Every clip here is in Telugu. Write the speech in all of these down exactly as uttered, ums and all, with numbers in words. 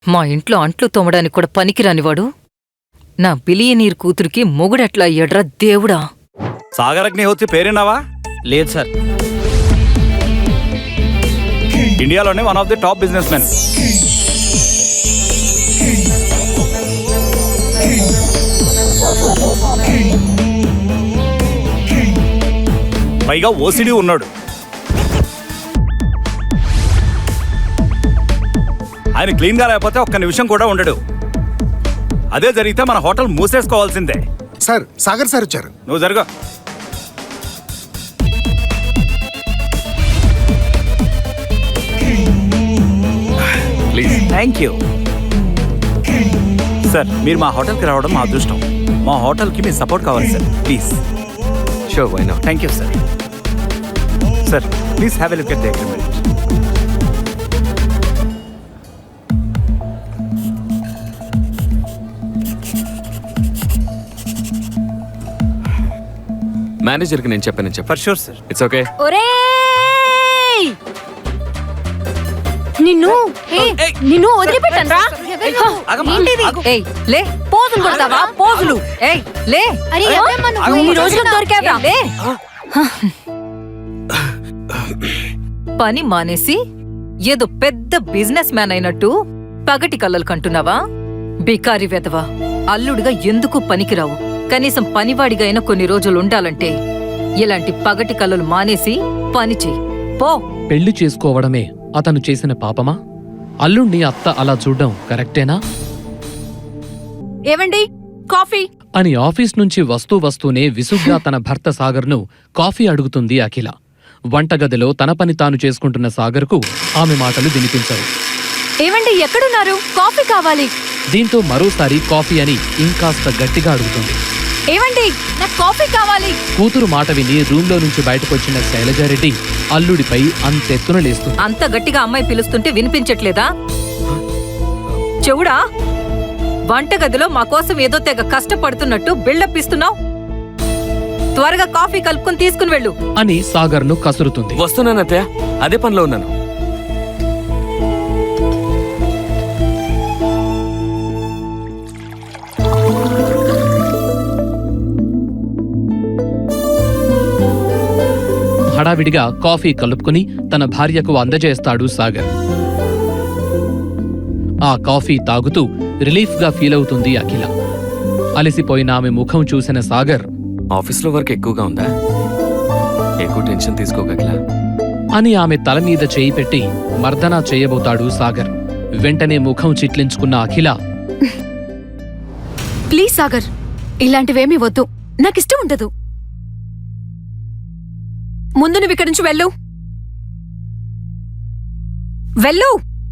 మా ఇంట్లో అంట్లు తోమడానికి కూడా పనికిరానివాడు నా బిలియనీర్ కూతురికి మొగుడెట్లా అయ్యాడ్రా దేవుడా. సాగర్ అగ్నిహోత్రి పేరున్నావా? లేదు సార్. ఇండియాలోనే one of the top businessmen. పైగా ఓసిడి ఉన్నాడు. ఆయన క్లీన్ గా లేకపోతే ఒక్క నిమిషం కూడా ఉండడు. అదే జరిగితే మన హోటల్ మూసేసుకోవాల్సిందే. సార్ సాగర్ సార్ వచ్చారు. నువ్వు జరుగు. ప్లీజ్. Thank you sir. మీరు మా హోటల్కి రావడం మా అదృష్టం. మా హోటల్కి మీ సపోర్ట్ కావాలి sir. Please. Sure, why not. Thank you sir. Sir please have a look at the agreement. మేనేజర్కి నేను చెప్పాను చెప్పు. For sure sir. It's okay. ఒరేయ్ నిన్ను నిన్ను వదిలిపెట్టను రా. ఏయ్ లే, పోజులు కొడతావా? పోజులు. ఏయ్ లే, ఈ రోజు దొరికావా? లే. పని మానేసి ఏదో పెద్ద బిజినెస్ మ్యాన్ అయినట్టు పగటి కళ్ళలు కంటున్నావా? బికారి వెదవా, అల్లుడిగా ఎందుకు పనికిరావు. కనీసం పనివాడిగా అయినా కొన్ని రోజులు ఉండాలంటే ఇలాంటి పగటి కళ్ళలు మానేసి పని చెయ్యి పో. పెళ్లి చేసుకోవడమే అతను చేసిన పాపమా? అల్లుణ్ణి అత్త అలా చూడ్డం కరెక్టేనా? ఏవండి కాఫీ అని ఆఫీస్ నుంచి వస్తూ వస్తూనే విసుగ్గా తన భర్త సాగర్ను కాఫీ అడుగుతుంది అఖిల. వంటగదిలో తన పని తాను చేసుకుంటున్న సాగర్కు ఆమె మాటలు వినిపించవు. ఏవండి ఎక్కడున్నారు? కాఫీ కావాలి. దీంతో మరోసారి కాఫీ అని ఇంకాస్త గట్టిగా అడుగుతుంది. ఏవండి నాకు కాఫీ కావాలి. కూతురు మాట విని రూంలో నుంచి బయటకొచ్చిన శైలజారెడ్డి అల్లుడిపై అంతెత్తున లేస్తుంది. అంత గట్టిగా అమ్మాయి పిలుస్తుంటే వినిపించట్లేదా? చెవుడా, వంటగదిలో మా కోసం ఏదో తెగ కష్టపడుతున్నట్టు బిల్డప్ ఇస్తున్నావు. త్వరగా కాఫీ కలుపుకొని తీసుకుని వెళ్ళు అని సాగర్ను కసురుతుంది. వస్తున్నాను అత్తయ్య, అదే పనిలో ఉన్నాను. హడావిడిగా కాఫీ కలుపుకుని తన భార్యకు అందజేస్తాడు సాగర్. ఆ కాఫీ తాగుతూ రిలీఫ్గా ఫీలవుతుంది అఖిల. అలసిపోయిన ఆమె ముఖం చూసిన సాగర్, ఆఫీస్లో వర్క్ ఎక్కువగా ఉందా? ఎక్కువ టెన్షన్ తీసుకోక అఖిల అని ఆమె తల మీద చేయి పెట్టి మర్దనా చేయబోతాడు సాగర్. వెంటనే ముఖం చిట్లించుకున్న అఖిల, ప్లీజ్ సాగర్, ఇలాంటివేమీ వద్దు, నాకిష్టం ఉండదు. ముందు నువ్వు ఇక్కడి నుంచి వెళ్ళు వెళ్ళు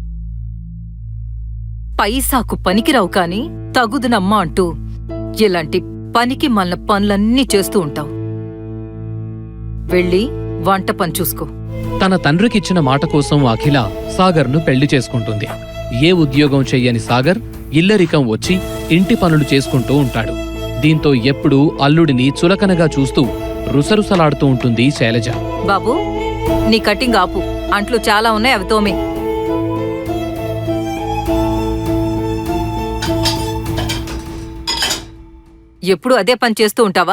పైసాకు పనికిరావు కాని తగుదునమ్మా అంటూ ఇలాంటి పనికి మళ్ళ పనులన్నీ చేస్తూ ఉంటావు. వెళ్ళి వంట పని చూసుకో. తన తండ్రికిచ్చిన మాట కోసం అఖిల సాగర్ను పెళ్లి చేసుకుంటుంది. ఏ ఉద్యోగం చెయ్యని సాగర్ ఇల్లరికం వచ్చి ఇంటి పనులు చేసుకుంటూ ఉంటాడు. దీంతో ఎప్పుడూ అల్లుడిని చులకనగా చూస్తూ రుసరుసలాడుతూ ఉంటుంది శైలజ. బాబూ, నీ కటింగ్ ఆపు, అంట్లు చాలా ఉన్నాయి, అవి తోమే. ఎప్పుడు అదే పని చేస్తూ ఉంటావా?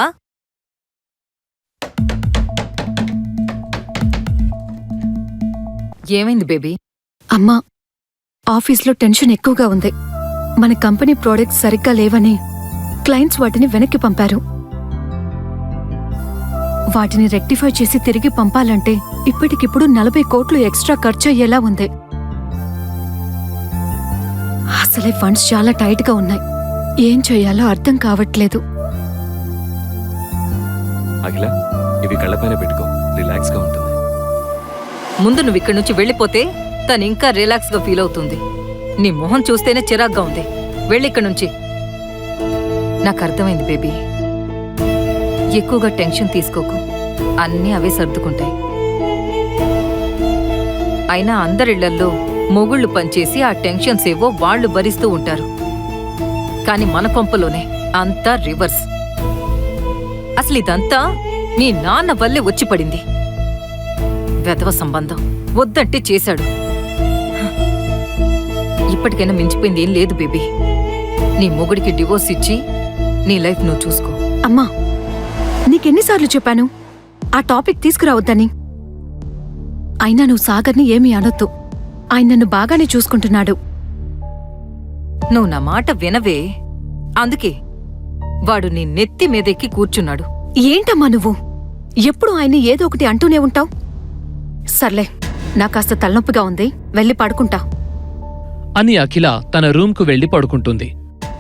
ఏమైంది బేబీ? అమ్మా, ఆఫీస్లో టెన్షన్ ఎక్కువగా ఉంది. మన కంపెనీ ప్రోడక్ట్స్ సరిగ్గా లేవని క్లయింట్స్ వాటిని వెనక్కి పంపారు. వాటిని రెక్టిఫై చేసి తిరిగి పంపాలంటే ఇప్పటికిప్పుడు నలభై కోట్లు ఎక్స్ట్రా ఖర్చు అయ్యేలా ఉంది. అసలే ఫండ్స్ చాలా టైట్ గా ఉన్నాయి. ఏం చేయాలో అర్థం కావట్లేదు. అఖిల, ఇవి కళ్ళపైన పెట్టుకో, రిలాక్స్ గా ఉంటుంది. ముందు నువ్వు ఇక్కడి నుంచి వెళ్ళిపోతే తను ఇంకా రిలాక్స్ గా ఫీల్ అవుతుంది. నీ మొహం చూస్తేనే చిరాగ్గా ఉంది. వెళ్ళి ఇక్కడి నుంచి. నాకు అర్థమైంది బేబీ, ఎక్కువగా టెన్షన్ తీసుకోకు, అన్నీ అవే సర్దుకుంటాయి. అయినా అందరిళ్లల్లో మొగుళ్ళు పనిచేసి ఆ టెన్షన్స్ ఏవో వాళ్లు భరిస్తూ ఉంటారు. కాని మన కొంపలోనే అంతా రివర్స్. అసలు ఇదంతా నీ నాన్న వల్లే వచ్చి పడింది. వెధవ సంబంధం వద్దంటే చేశాడు. ఇప్పటికైనా మించిపోయింది ఏం లేదు బేబీ. నీ మొగుడికి డివోర్స్ ఇచ్చి నీ లైఫ్ నువ్వు చూసుకో. అమ్మా, నీకెన్నిసార్లు చెప్పాను ఆ టాపిక్ తీసుకురావద్దని? అయినా నువ్వు సాగర్ని ఏమీ అనొద్దు. ఆయన నన్ను బాగానే చూసుకుంటున్నాడు. నువ్వు నా మాట వినవే. అందుకే వాడు నీ నెత్తి మీదెక్కి కూర్చున్నాడు. ఏంటమ్మా నువ్వు ఎప్పుడు ఆయన్ని ఏదో ఒకటి అంటూనే ఉంటావు. సర్లే, నా కాస్త తలనొప్పిగా ఉంది, వెళ్ళి పడుకుంటా అని అఖిల తన రూమ్కు వెళ్లి పడుకుంటుంది.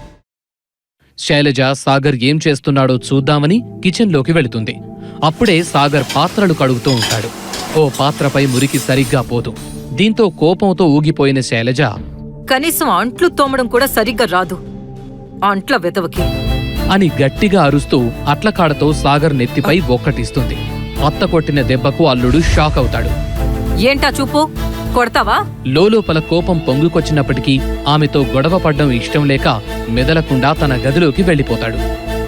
శైలజ సాగర్ ఏం చేస్తున్నాడో చూద్దామని కిచెన్లోకి వెళుతుంది. అప్పుడే సాగర్ పాత్రలు కడుగుతూ ఉంటాడు. ఓ పాత్రపై మురికి సరిగ్గా పోదు. దీంతో కోపంతో ఊగిపోయిన శైలజ, కనీసం అంట్లు తోమడం కూడా సరిగ్గా రాదు అంట్ల వెతవకి అని గట్టిగా అరుస్తూ అట్లకాడతో సాగర్ నెత్తిపై ఒక్కటిస్తుంది. అత్త కొట్టిన దెబ్బకు అల్లుడు షాక్ అవుతాడు. ఏంటా చూపు, కొడతావా? లోలోపల కోపం పొంగుకొచ్చినప్పటికీ ఆమెతో గొడవ పడ్డం ఇష్టం లేక మెదలకుండా తన గదిలోకి వెళ్ళిపోతాడు.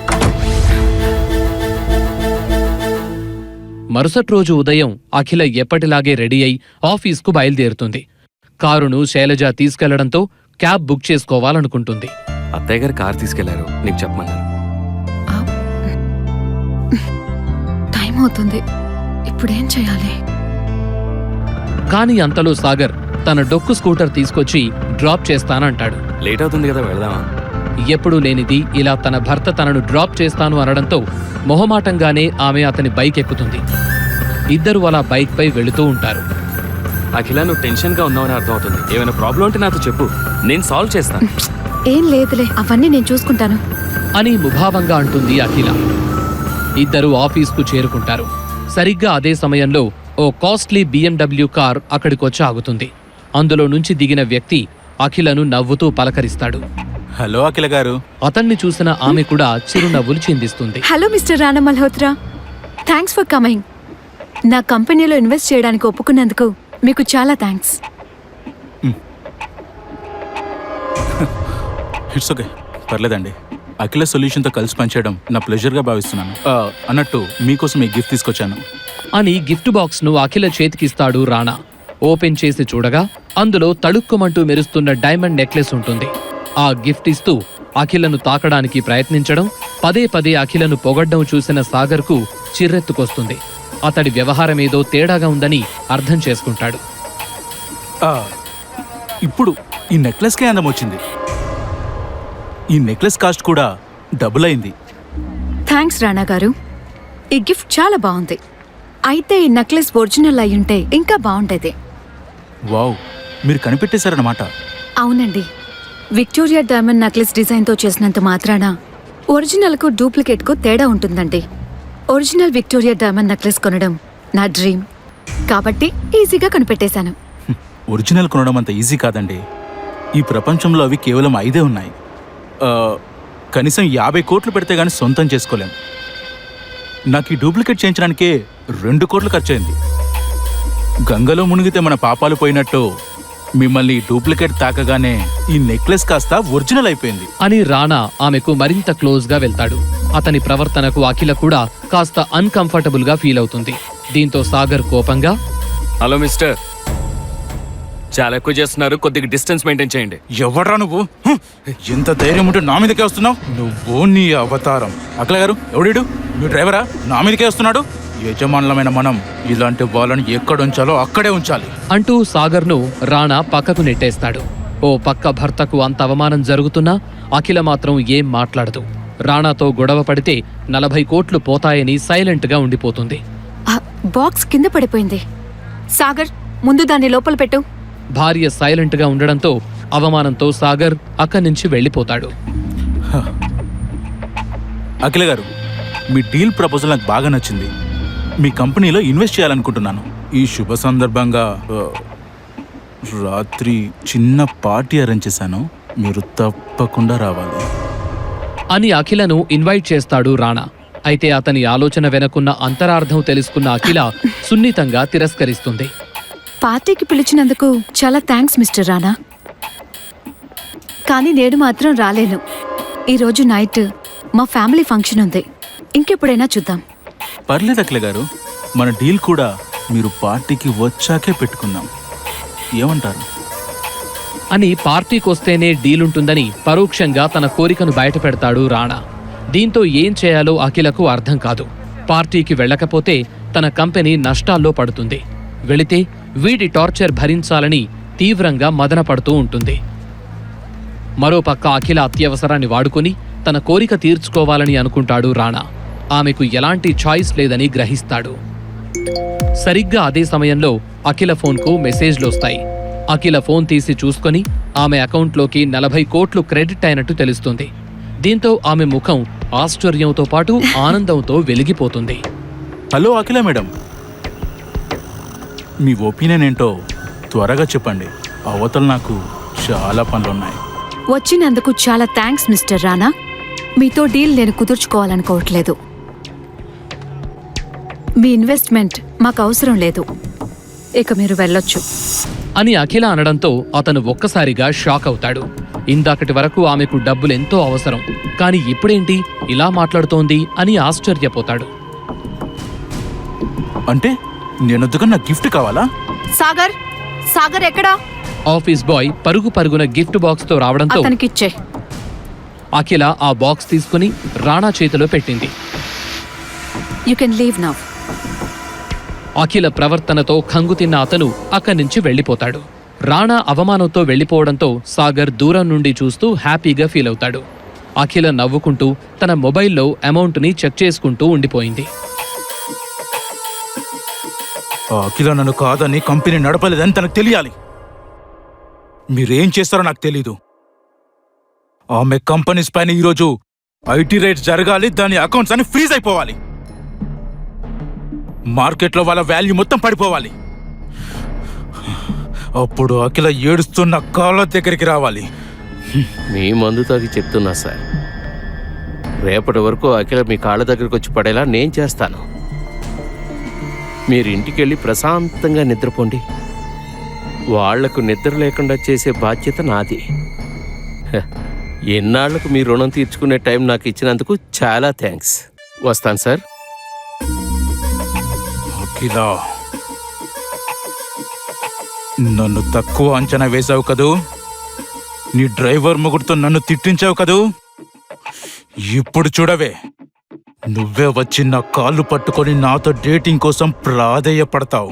మరుసటి రోజు ఉదయం అఖిల ఎప్పటిలాగే రెడీ అయి ఆఫీస్కు బయలుదేరుతుంది. కారును శైలజ తీసుకెళ్లడంతో క్యాబ్ బుక్ చేసుకోవాలనుకుంటుంది. అత్తయ్య గారు కార్ తీసుకెళ్లారు, నీకు చెప్పమన్నారు. టైం అవుతుంది, ఇప్పుడేం చేయాలి? కాని అంతలో సాగర్ తన డొక్కు స్కూటర్ తీసుకొచ్చి డ్రాప్ చేస్తానంటాడు. లేట్ అవుతుంది కదా, వెళదామా? ఎప్పుడూ లేనిది ఇలా తన భర్త తనను డ్రాప్ చేస్తాను అనడంతో మొహమాటంగానే ఆమె అతని బైక్ ఎక్కుతుంది. ఇద్దరు అలా బైక్ పై వెళుతూ ఉంటారు. అఖిల, నువ్వు టెన్షన్ గా ఉన్నావని అర్థం అవుతుంది. ఏమైనా ప్రాబ్లం ఉంటే నాతో చెప్పు, నేను సాల్వ్ చేస్తాను. ఏం లేదులే, అవన్నీ నేను చూసుకుంటాను అని ముభావంగా అంటుంది అఖిల. ఇద్దరు ఆఫీస్కు చేరుకుంటారు. సరిగ్గా అదే సమయంలో ఓ కాస్ట్లీ బిఎండబ్ల్యూ కార్ అక్కడికొచ్చి ఆగుతుంది. అందులో నుంచి దిగిన వ్యక్తి అఖిలను నవ్వుతూ పలకరిస్తాడు. హలో అఖిల గారు. అతన్ని చూసిన ఆమె కూడా చిరునవ్వులు చిందిస్తుంది. Hello mister Rana Malhotra, thanks for coming. నా కంపెనీలో ఇన్వెస్ట్ చేయడానికి ఒప్పుకున్నందుకు మీకు చాలా థ్యాంక్స్. ఇట్స్ ఓకే, పర్లేదండి. అఖిల సొల్యూషన్తో కలిసి పనిచేయడం నా ప్లెజర్గా భావిస్తున్నాను. ఆ, అన్నట్టు మీకోసం ఈ గిఫ్ట్ తీసుకొచ్చాను అని గిఫ్ట్ బాక్స్ను అఖిల చేతికిస్తాడు రాణా. ఓపెన్ చేసి చూడగా అందులో తడుక్కుమంటూ మెరుస్తున్న డైమండ్ నెక్లెస్ ఉంటుంది. ఆ గిఫ్ట్ ఇస్తూ అఖిలను తాకడానికి ప్రయత్నించడం, పదే పదే అఖిలను పొగడ్డం చూసిన సాగర్కు చిర్రెత్తుకొస్తుంది. అతడి వ్యవహారమేదో తేడాగా ఉందని అర్థం చేసుకుంటాడు. ఆ, ఇప్పుడు ఈ నెక్లెస్కే అందం వచ్చింది. ఈ నెక్లెస్ కాస్ట్ కూడా డబుల్ అయింది. థ్యాంక్స్ రాణా గారు, ఈ గిఫ్ట్ చాలా బాగుంది. అయితే ఈ నెక్లెస్ ఒరిజినల్ అయ్యుంటే ఇంకా బాగుండేది. వావ్, మీరు కనిపెట్టేశారన్నమాట. అవునండి, విక్టోరియా డైమండ్ నెక్లెస్ డిజైన్తో చేసినంత మాత్రాన ఒరిజినల్కు డూప్లికేట్కు తేడా ఉంటుందండి. ఒరిజినల్ విక్టోరియా డైమండ్ నెక్లెస్ కొనడం నా డ్రీమ్, కాబట్టి ఈజీగా కనిపెట్టేశాను. ఒరిజినల్ కొనడం అంత ఈజీ కాదండి. ఈ ప్రపంచంలో అవి కేవలం ఐదే ఉన్నాయి. ఆ, కనీసం యాభై కోట్లు పెడితే గానీ సొంతం చేసుకోలేం. నాకు ఈ డూప్లికేట్ చేయించడానికే రెండు కోట్లు ఖర్చయింది. గంగలో మునిగితే మన పాపాలు పోయినట్టు మిమ్మల్ని డూప్లికేట్ తాకగానే ఈ నెక్లెస్ కాస్త ఒరిజినల్ అయిపోయింది అని రాణా ఆమెకు మరింత క్లోజ్ గా వెళ్తాడు. అతని ప్రవర్తనకు అఖిల కూడా కాస్త అన్కంఫర్టబుల్ గా ఫీల్ అవుతుంది. దీంతో సాగర్ కోపంగా, హలో మిస్టర్, చాలా ఎక్కువ చేస్తున్నారు, కొద్దిగా డిస్టెన్స్ మెయింటైన్ చేయండి. ఎవడ్రా నువ్వు? హ్మ్. ఎంత ధైర్యం ఉంటే నా మీదకే వస్తున్నావు? నువ్వు నీ అవతారం. అఖిల గారు, ఎవడీడు? మీ డ్రైవరా? నా మీదకే వస్తున్నాడు. యజమానులమైన మనం ఇలాంటి వాళ్ళని ఎక్కడ ఉంచాలో అక్కడే ఉంచాలి అంటూ సాగర్ను రాణా పక్కకు నెట్టేస్తాడు. ఓ పక్క భర్తకు అంత అవమానం జరుగుతున్నా అఖిల మాత్రం ఏం మాట్లాడదు. రాణాతో గొడవ పడితే నలభై కోట్లు పోతాయని సైలెంట్గా ఉండిపోతుంది. ఆ బాక్స్ కింద పడిపోయింది. సాగర్, ముందు దాన్ని లోపల పెట్టు. భార్య సైలెంట్గా ఉండడంతో అవమానంతో సాగర్ అక్కడి నుంచి వెళ్ళిపోతాడు. అఖిల గారు, మీ డీల్ ప్రపోజల్ నాకు బాగా నచ్చింది. మీ కంపెనీలో ఇన్వెస్ట్ చేయాలనుకుంటున్నాను. ఈ శుభ సందర్భంగా ఆ, రాత్రి చిన్న పార్టీ అరేంజ్ చేశాను. మీరు తప్పకుండా రావాలి అని అఖిలను ఇన్వైట్ చేస్తాడు రాణా. అయితే అతని ఆలోచన వెనకున్న అంతరార్థం తెలుసుకున్న అఖిల సున్నితంగా తిరస్కరిస్తుంది. పార్టీకి పిలిచినందుకు చాలా థ్యాంక్స్ మిస్టర్ రానా, కానీ నేను మాత్రం రాలేను. ఈరోజు నైట్ మా ఫ్యామిలీ ఫంక్షన్ ఉంది, ఇంకెప్పుడైనా చూద్దాం. పర్లేదు అఖిల గారు, మన డీల్ కూడా మీరు పార్టీకి వచ్చాకే పెట్టుకుందాం. ఏమంటారు? అని పార్టీకొస్తేనే డీలుంటుందని పరోక్షంగా తన కోరికను బయటపెడతాడు రాణా. దీంతో ఏం చేయాలో అఖిలకు అర్థం కాదు. పార్టీకి వెళ్ళకపోతే తన కంపెనీ నష్టాల్లో పడుతుంది, వెళితే వీడి టార్చర్ భరించాలని తీవ్రంగా మదనపడుతూ ఉంటుంది. మరోపక్క అఖిల అత్యవసరాన్ని వాడుకుని తన కోరిక తీర్చుకోవాలని అనుకుంటాడు రాణా. ఆమెకు ఎలాంటి చాయిస్ లేదని గ్రహిస్తాడు. సరిగ్గా అదే సమయంలో అఖిల ఫోన్కు మెసేజ్లొస్తాయి. అఖిల ఫోన్ తీసి చూసుకొని ఆమె అకౌంట్లోకి నలభై కోట్లు క్రెడిట్ అయినట్టు తెలుస్తుంది. దీంతో ఆమె ముఖం ఆశ్చర్యంతో పాటు ఆనందంతో వెలిగిపోతుంది. హలో అఖిల మేడం, మీ ఒపీనియన్ ఏంటో త్వరగా చెప్పండి. అవతల నాకు చాలా పనులున్నాయి. వచ్చినందుకు చాలా థ్యాంక్స్ మిస్టర్ రానా. మీతో డీల్ నేను కుదుర్చుకోవాలనుకోవట్లేదు. మీ ఇన్వెస్ట్మెంట్ మాకు అవసరం లేదు, ఇక మీరు వెళ్ళొచ్చు అని అఖిల అనడంతో అతను ఒక్కసారిగా షాక్ అవుతాడు. ఇందాకటి వరకు ఆమెకు డబ్బులెంతో అవసరం, కాని ఇప్పుడేంటి ఇలా మాట్లాడుతోంది అని ఆశ్చర్యపోతాడు. అంటే నేనొద్దుగా నా గిఫ్ట్ కావాలా? సాగర్, సాగర్ ఎక్కడా? ఆఫీస్ బాయ్ పరుగు పరుగున గిఫ్ట్ బాక్స్ తో రావడంతో అతనికిచ్చే. అఖిల ఆ బాక్స్ తీసుకుని రాణా చేతిలో పెట్టింది. You can leave now. Akhila ప్రవర్తనతో ఖంగుతిన్న అతను అక్కడి నుంచి వెళ్ళిపోతాడు. రాణా అవమానంతో వెళ్ళిపోవడంతో సాగర్ దూరం నుండి చూస్తూ హ్యాపీగా ఫీల్ అవుతాడు. అఖిల నవ్వుకుంటూ తన మొబైల్లో అమౌంట్ని చెక్ చేసుకుంటూ ఉండిపోయింది. ఆ అఖిల నన్ను కాదని కంపెనీ నడపలేదని తనకు తెలియాలి. మీరేం చేస్తారో నాకు తెలీదు. ఆమె కంపెనీస్ పైన ఈరోజు ఐటీ రేట్స్ జరగాలి, దాని అకౌంట్స్ అన్ని ఫ్రీజ్ అయిపోవాలి, మార్కెట్లో వాళ్ళ వాల్యూ మొత్తం పడిపోవాలి. అప్పుడు అఖిల ఏడుస్తున్న కాళ్ళ దగ్గరికి రావాలి. మీ మందు తాగి చెప్తున్నా సార్, రేపటి వరకు అఖిల మీ కాళ్ళ దగ్గరకు వచ్చి పడేలా నేను చేస్తాను. మీరు ఇంటికెళ్ళి ప్రశాంతంగా నిద్రపోండి. వాళ్లకు నిద్ర లేకుండా చేసే బాధ్యత నాది. హ, ఎన్నాళ్లకు మీ రుణం తీర్చుకునే టైం నాకు ఇచ్చినందుకు చాలా థ్యాంక్స్. వస్తాను సార్. అఖిల, నన్ను తక్కువ అంచనా వేశావు కదూ, నీ డ్రైవర్ ముగ్గురితో నన్ను తిట్టించావు కదూ, ఇప్పుడు చూడవే, నువ్వే వచ్చి నా కాళ్ళు పట్టుకొని నాతో డేటింగ్ కోసం ప్రాధేయపడతావు.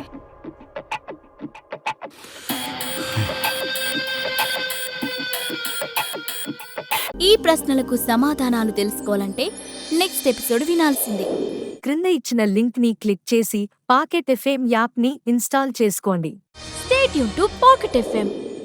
ఈ ప్రశ్నలకు సమాధానాలు తెలుసుకోవాలంటే నెక్స్ట్ ఎపిసోడ్ వినాల్సిందే. క్రింద ఇచ్చిన లింక్ ని క్లిక్ చేసి పాకెట్ ఎఫ్ఎం యాప్ ని ఇన్స్టాల్ చేసుకోండి. Stay tune to Pocket FM.